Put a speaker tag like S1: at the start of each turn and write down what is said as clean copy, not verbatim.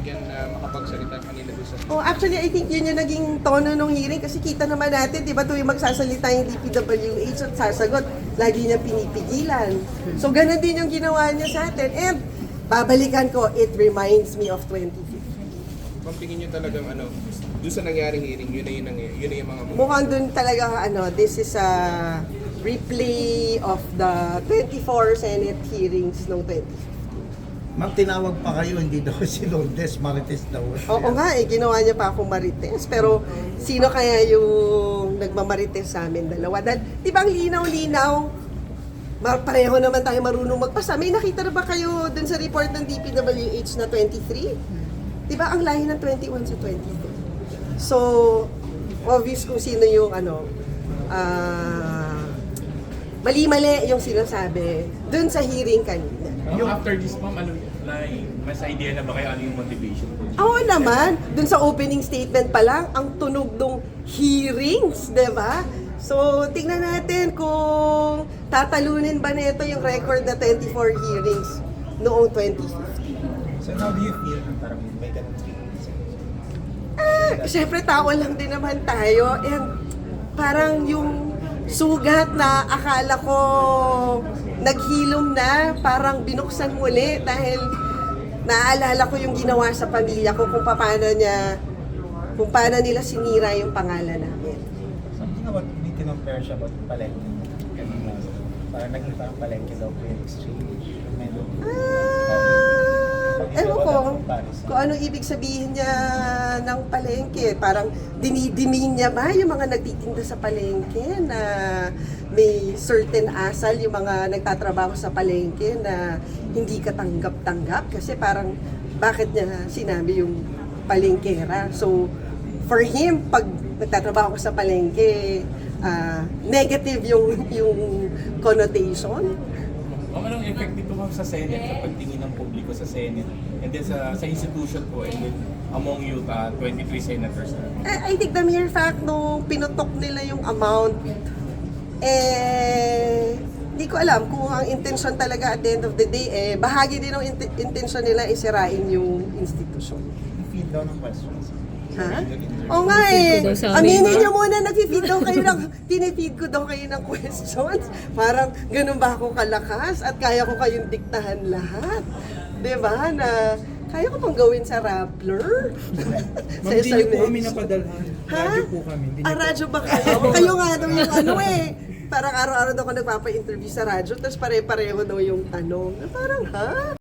S1: binigyan na makapagsalita kanina doon sa...
S2: Oh, actually, I think yun yung naging tono ng hearing kasi kita naman natin, di ba, tuwing magsasalita yung DPWH at sasagot, lagi niya pinipigilan. So, ganun din yung ginawa niya sa atin. And, babalikan ko, it reminds me of 2015.
S1: Kung tingin nyo talagang doon sa nangyaring hearing, yun na yung mga
S2: Mukhang dun talaga, this is a replay of the 24 Senate hearings noong 2015.
S3: Ma'am, tinawag pa kayo, hindi daw si Lourdes, Marites daw.
S2: Oo nga, ginawa niya pa akong marites. Pero sino kaya yung nagmamarites sa amin dalawa? Dahil, di ba ang linaw-linaw? Pareho naman tayo marunong magpasa. May nakita na ba kayo dun sa report ng DPWH na 23? Di ba ang lahi ng 21 sa 22? So, obvious kung sino yung mali-mali yung sinasabi dun sa hearing kanina.
S4: After this, ma'am, mas idea na ba kayo ano yung motivation?
S2: Oo naman, dun sa opening statement pa lang, ang tunog ng hearings, di ba? So, tingnan natin kung tatalunin ba nito yung record na 24 hearings noong 2015.
S5: So how do you feel nung parang may ganun feelings?
S2: Siyempre, tao lang din naman tayo. And parang yung sugat na akala ko naghilom na, parang binuksan muli dahil naaalala ko yung ginawa sa pamilya ko kung paano nila sinira yung pangalan namin.
S5: Something about, hindi kinompare siya about palengke. Kanina, parang naging parang palengke daw po yung exchange.
S2: Ewan ko kung ano ibig sabihin niya ng palengke. Parang dinidimin niya ba yung mga nagtitinda sa palengke na may certain asal yung mga nagtatrabaho sa palengke na hindi katanggap-tanggap kasi parang bakit niya sinabi yung palengkera. So, for him, pag nagtatrabaho ka sa palengke, negative yung connotation.
S4: Anong effect dito ma'am sa Senate, sa pagtingin ng publiko sa Senate, and then sa institution po, and then among you, 23 senators?
S2: I think the mere fact nung pinutok nila yung amount, hindi ko alam kung ang intention talaga at the end of the day, bahagi din ng intention nila isirain yung institusyon.
S5: Feed daw ng questions.
S2: Ha? Oo nga aminin nyo muna, nag-feed daw kayo tinifeed ko daw kayo ng questions. Parang ganun ba ako kalakas at kaya ko kayong diktahan lahat? Diba? Na kaya ko pang gawin sa Rappler?
S6: Ma'am, hindi niyo po kami napadalhan. Radyo po kami.
S2: Radyo ba kayo? Kayo nga daw yung parang araw-araw daw ako nagpapa-interview sa radyo, tapos pare-pareho daw yung tanong. Parang, ha?